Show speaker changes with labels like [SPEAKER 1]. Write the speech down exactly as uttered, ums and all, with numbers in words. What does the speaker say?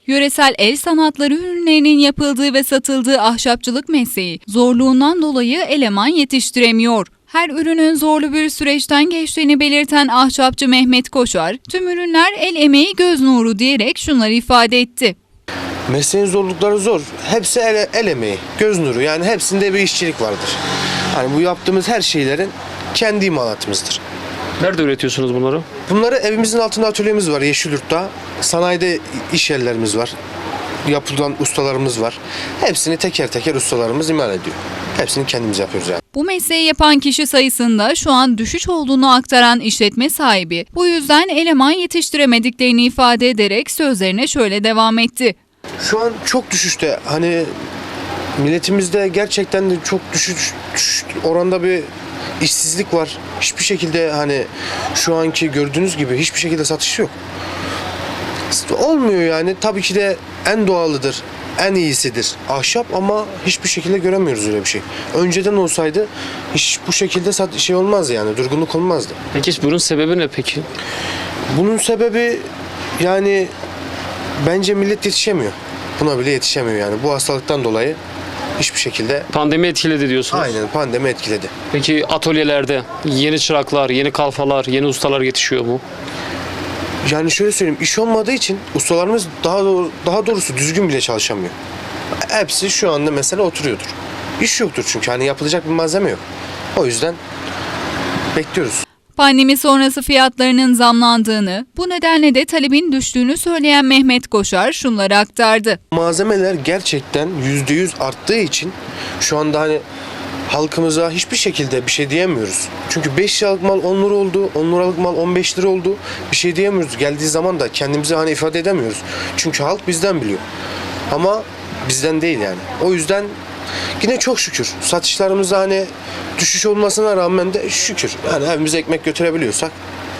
[SPEAKER 1] Yöresel el sanatları ürünlerinin yapıldığı ve satıldığı ahşapçılık mesleği zorluğundan dolayı eleman yetiştiremiyor. Her ürünün zorlu bir süreçten geçtiğini belirten ahşapçı Mehmet Koşar, tüm ürünler el emeği göz nuru diyerek şunları ifade etti.
[SPEAKER 2] Mesleğin zorlukları zor. Hepsi el, el emeği, göz nuru. Yani hepsinde bir işçilik vardır. Yani bu yaptığımız her şeylerin kendi imalatımızdır.
[SPEAKER 3] Nerede üretiyorsunuz bunları?
[SPEAKER 2] Bunları evimizin altında atölyemiz var Yeşilyurt'ta. Sanayide iş yerlerimiz var. Yapılan ustalarımız var. Hepsini teker teker ustalarımız imal ediyor. Hepsini kendimiz yapıyoruz yani.
[SPEAKER 1] Bu mesleği yapan kişi sayısında şu an düşüş olduğunu aktaran işletme sahibi, bu yüzden eleman yetiştiremediklerini ifade ederek sözlerine şöyle devam etti.
[SPEAKER 2] Şu an çok düşüşte. Hani milletimizde gerçekten de çok düşüş, düşüş oranda bir işsizlik var. Hiçbir şekilde hani şu anki gördüğünüz gibi hiçbir şekilde satış yok. Olmuyor yani. Tabii ki de en doğalıdır, en iyisidir ahşap ama hiçbir şekilde göremiyoruz öyle bir şey. Önceden olsaydı hiç bu şekilde sat şey olmaz yani, durgunluk olmazdı.
[SPEAKER 3] Peki bunun sebebi ne peki?
[SPEAKER 2] Bunun sebebi yani bence millet yetişemiyor. Buna bile yetişemiyor yani. Bu hastalıktan dolayı hiçbir şekilde.
[SPEAKER 3] Pandemi etkiledi diyorsunuz.
[SPEAKER 2] Aynen, pandemi etkiledi.
[SPEAKER 3] Peki atölyelerde yeni çıraklar, yeni kalfalar, yeni ustalar yetişiyor mu?
[SPEAKER 2] Yani şöyle söyleyeyim, iş olmadığı için ustalarımız daha doğru, daha doğrusu düzgün bile çalışamıyor. Hepsi şu anda mesela oturuyordur. İş yoktur çünkü hani yapılacak bir malzeme yok. O yüzden bekliyoruz.
[SPEAKER 1] Pandemi sonrası fiyatlarının zamlandığını, bu nedenle de talebin düştüğünü söyleyen Mehmet Koşar şunları aktardı.
[SPEAKER 2] Malzemeler gerçekten yüzde yüz arttığı için şu anda hani halkımıza hiçbir şekilde bir şey diyemiyoruz. Çünkü beş liralık mal on lira oldu, on liralık mal on beş lira oldu. Bir şey diyemiyoruz. Geldiği zaman da kendimizi hani ifade edemiyoruz. Çünkü halk bizden biliyor. Ama bizden değil yani. O yüzden yine çok şükür satışlarımızda hani düşüş olmasına rağmen de şükür. Yani evimize ekmek götürebiliyorsak